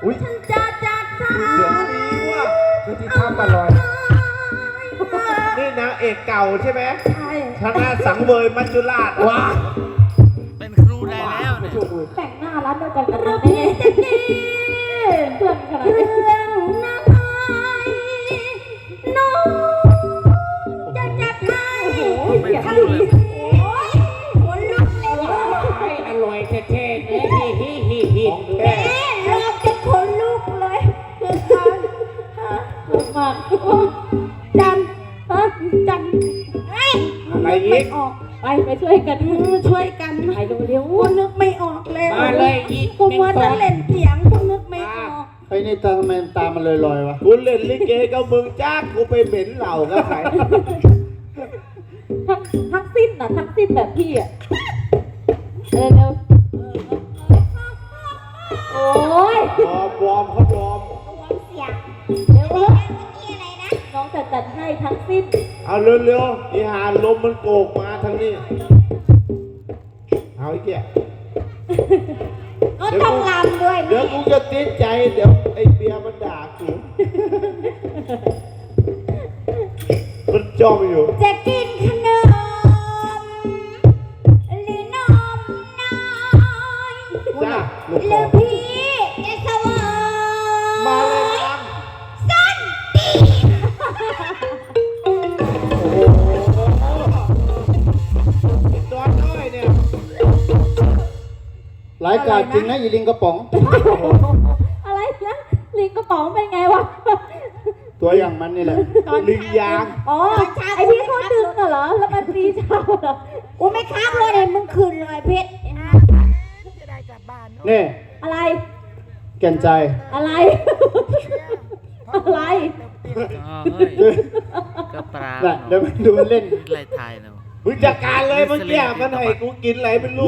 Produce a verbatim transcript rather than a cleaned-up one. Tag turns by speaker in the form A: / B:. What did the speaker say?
A: อุ้ย
B: ฉันจะจัดสรร
A: เสียงดีว่ะ
C: คือที่ท่าปลาลอย
A: นี่นางเอกเก่าใช่ไหม
B: ใช่
A: ชนะสังเวยมัจจุราชว้า
D: เป็นครูได้แล้วเนี่ย
B: แต่งหน้าร้านเดียวกันกับเราเนี่ยเพื่อนขนาดนี้เรื่องนายน้องจะจัดให้ทะเลโอ้ยหัวลุกเลยว่ะ
C: อร่อยแท้ๆเนี่ยฮิฮิฮิฮิ
A: ของแท้
B: แม่รอบจะขนลุกเลยคือทานฮะลุกมากจันฮะจันเฮ้ย
A: อะไร
B: ไม่
A: อีก
B: ออกไปไปช่วยกันช่วยกันไปเร็วๆกูนึกไม่ออกเลย
C: มาเลยอีก
B: กูมัวแต่เล่นเสียงกูนึกไม่ออก
E: ไอ้นี่ตาทำไมตามันลอยๆวะ
A: กูเล่นลิเกกับมึงจ้ากูไปเหม็นเหล่ากับใคร
B: ทั้งทั้งสิ้นน่ะทั้งสิ้นแบบพี่อ่ะเร็วเร็วโอ้ยว
A: อร์มวอร์มเขาวอร์ม
B: เสียงเร็วเร็วน้องจะจัดให้ทั้งสิ้น
A: เอาเร็วๆอีหาลมมันโกกมาทางนี้เอาไอ้แก่
B: ก็ต้องรำด้วย
A: เดี๋ยวกูจะติดใจเดี๋ยวไอ้เบียร์มันด่ากูมันจ้องอยู่
B: จะกินขนมหรือนมน้อย
A: จ้า
E: ลูก
B: ห
E: ค
B: รือ อพี่จะสวร
A: มาเลย
B: ย
A: ครับ
B: ส้นตี
A: ตอนน้อยเนี่ย
E: หลายกาดจริงนะอีลิงกระป๋อง
B: อะไรนะลิงกระป๋องเป็นไงวะ
E: ตัวอย่างมันนี่แหละ
A: ลิงยาง
B: อ๋อไอที่เขาดึงน่ะเหรอแล้วมันตีเช้าเหรอกูไม่ค้างเลยมึงคืนเลยเพชร
E: นี่
B: อะไร
E: แก่นใจ
B: อะไร อะไร
D: อ๋อเฮ้ยกระปลา
E: น่ะเดี๋ยวมันดูมันเล่น
D: ไรไทยเนาะ
A: มึงจัดการเลยเมื่อกี้มันให้กูกินอะไรไม่รู้